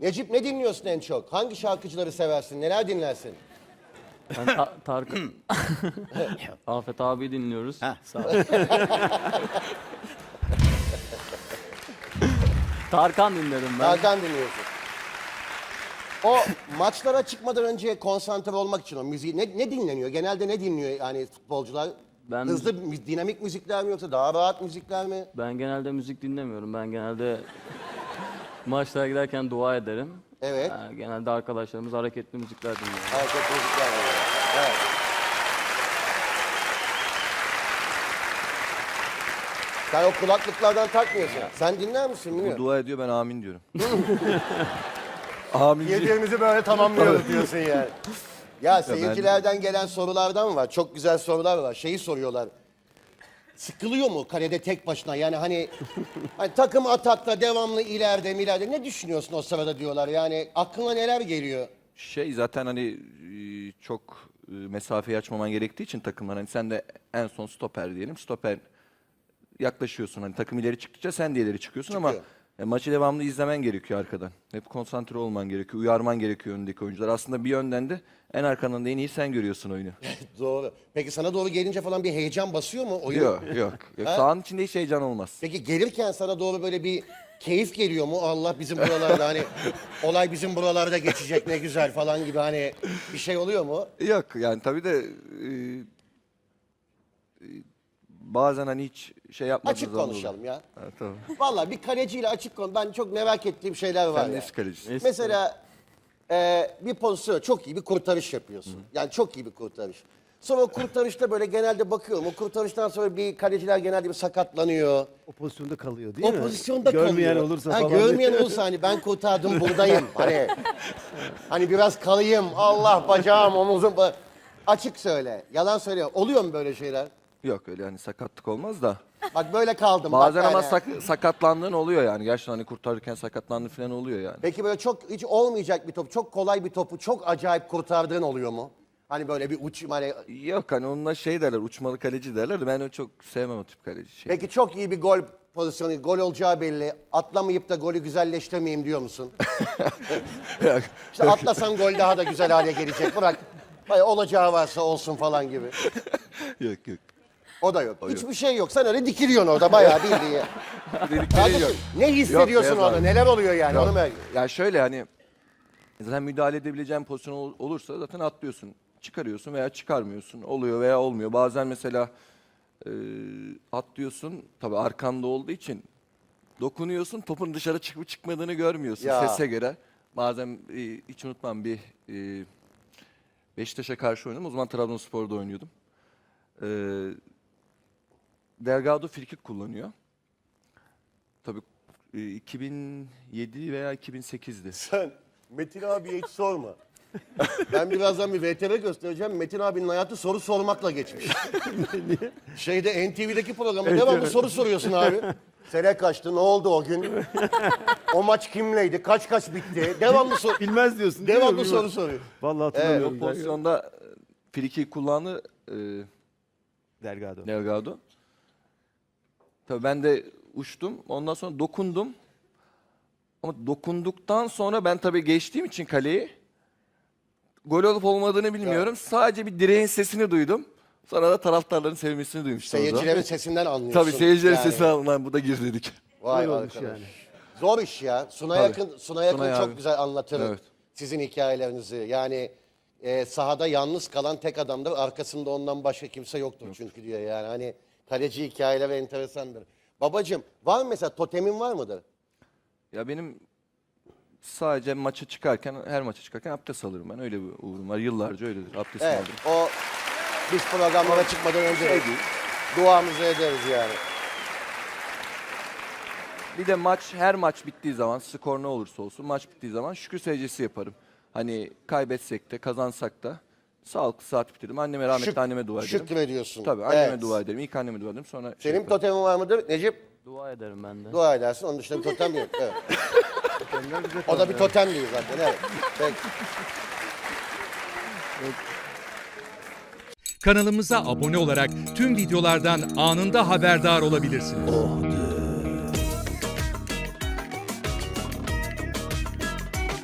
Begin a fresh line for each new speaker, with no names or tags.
Necip ne dinliyorsun en çok? Hangi şarkıcıları seversin? Neler dinlersin?
Ben Tarkan... Afet abi dinliyoruz.
Heh, sağ ol.
Tarkan dinlerim ben.
Tarkan dinliyorsun. O maçlara çıkmadan önce konsantre olmak için o müziği ne dinleniyor? Genelde ne dinliyor yani futbolcular?
Ben
Hızlı, dinamik müzikler mi yoksa daha rahat müzikler mi?
Ben genelde müzik dinlemiyorum. Ben genelde maçlara giderken dua ederim.
Evet.
Genelde arkadaşlarımız hareketli müzikler dinliyor.
Hareketli müzikler var. Evet. Sen o kulaklıklardan takmıyorsun. Sen dinler misin
Bu
bilmiyorum.
dua ediyor, ben amin diyorum. Amin.
Yediğimizi böyle tamamlıyoruz diyorsun yani. Ya seyircilerden gelen sorulardan var. Çok güzel sorular var. Şeyi soruyorlar. Sıkılıyor mu kalede tek başına? Yani hani takım atakta devamlı ileride ne düşünüyorsun o sırada diyorlar. Yani aklına neler geliyor?
Zaten hani çok mesafeyi açmaman gerektiği için takımlar, hani sen de en son stoper diyelim. Stoper yaklaşıyorsun, hani takım ileri çıktıkça sen de ileri çıkıyorsun ama maçı devamlı izlemen gerekiyor arkadan. Hep konsantre olman gerekiyor, uyarman gerekiyor öndeki oyuncular. Aslında bir yönden de en arkandan da en iyi sen görüyorsun oyunu.
Doğru. Peki sana doğru gelince falan bir heyecan basıyor mu oyun?
Yok. Sahanın içinde hiç heyecan olmaz.
Peki gelirken sana doğru böyle bir keyif geliyor mu? Allah bizim buralarda hani olay bizim buralarda geçecek ne güzel falan gibi hani bir şey oluyor mu?
Yok yani tabii de bazen hani hiç şey yapmadığınız
Açık
zaman
konuşalım
oluyor.
ya.
Ha, tamam.
Vallahi bir kaleciyle açık konu. Ben çok merak ettiğim şeyler var
Sen
ya.
nesi kalecisin?
Mesela bir pozisyon çok iyi bir kurtarış yapıyorsun. Yani çok iyi bir kurtarış. Sonra o kurtarışta böyle genelde bakıyorum. O kurtarıştan sonra bir kaleciler genelde bir sakatlanıyor.
O pozisyonda kalıyor değil mi?
O pozisyonda
Görmeyen
kalıyor.
olursa
Ha,
falan.
görmeyen olursa hani ben kurtardım buradayım. Hani biraz kalayım. Allah bacağım omuzum. Açık söyle. Yalan söyle. Oluyor mu böyle şeyler?
Yok öyle hani sakatlık olmaz da.
Bak böyle kaldım.
Bazen
bak
ama
yani.
sakatlandığın oluyor yani. Gerçekten hani kurtarırken sakatlandığın falan oluyor yani.
Peki böyle çok hiç olmayacak bir top, çok kolay bir topu çok acayip kurtardığın oluyor mu? Hani böyle bir uç, hani...
Yok hani onunla şey derler, uçmalı kaleci derler de ben öyle çok sevmem o tip kaleci şey.
Peki çok iyi bir gol pozisyonu, gol olacağı belli. Atlamayıp da golü güzelleştirmeyeyim diyor musun?
Yok.
İşte atlasam gol daha da güzel hale gelecek. Bırak, olacağı varsa olsun falan gibi.
yok.
O da yok. Hiçbir şey yok. Sen öyle dikiliyorsun orada bayağı bildiğin.
Dedikleri
Kardeşim
yok.
ne hissediyorsun
Yok,
orada?
abi.
Neler oluyor yani?
Yok.
Onu merak
Ya şöyle hani zaten müdahale edebileceğin pozisyon olursa zaten atlıyorsun. Çıkarıyorsun veya çıkarmıyorsun. Oluyor veya olmuyor. Bazen mesela atlıyorsun. Tabii arkanda olduğu için dokunuyorsun. Topun dışarı çıkıp çıkmadığını görmüyorsun
Ya.
sese göre. Bazen hiç unutmam bir Beşiktaş'a karşı oynadım. O zaman Trabzonspor'da oynuyordum. Delgado frikik kullanıyor. Tabii 2007 veya 2008'di.
Sen Metin abiye hiç sorma. Ben birazdan bir VTR göstereceğim. Metin abinin hayatı soru sormakla geçmiş. Şeyde NTV'deki programda devamlı soru soruyorsun abi. Sene kaçtı? Ne oldu o gün? O maç kimleydi? Kaç bitti? Devamlı soru.
Bilmez diyorsun değil mi?
Devamlı
Bilmez.
soru soruyor.
Vallahi
O
hatırlamıyorum.
pozisyonda frikik kullandı
Delgado.
Delgado. Tabii ben de uçtum. Ondan sonra dokundum. Ama dokunduktan sonra ben tabii geçtiğim için kaleyi gol olup olmadığını bilmiyorum. Sadece bir direğin sesini duydum. Sonra da taraftarların sevmesini duymuştum.
Seyircilerin sesinden anlıyorsun.
Tabii seyircilerin
Yani.
sesini alınan bu da gir dedik.
Vay
Öyle olmuş
arkadaş.
yani.
Zor iş ya. Suna
Tabii.
Yakın
Sunay
çok
abi.
güzel anlatır
Evet.
sizin hikayelerinizi. Yani sahada yalnız kalan tek adamdır. Arkasında ondan başka kimse yoktur çünkü diyor yani. Hani kaleci hikayeleri enteresandır. Babacığım var mı mesela totemin var mıdır?
Ya benim sadece her maça çıkarken abdest alırım ben. Öyle bir uğrum var. Yıllarca öyledir. Abdest
Evet.
alırım.
O biz programlara çıkmadan önce de duamızı ederiz yani.
Bir de her maç bittiği zaman, skor ne olursa olsun, maç bittiği zaman şükür secdesi yaparım. Hani kaybetsek de kazansak da sağlıklı saat bitiririm. Anneme, rahmetli anneme dua ederim.
Şükrediyorsun.
Tabii anneme
Evet.
dua ederim. İlk anneme dua ederim. Sonra şey
Senin
yaparım.
totemin var mıdır Necip?
Dua ederim ben de.
Dua edersin. Onun dışında bir totem yok. Evet. O da bir totem değil zaten. Evet. Peki.
Kanalımıza abone olarak tüm videolardan anında haberdar olabilirsiniz.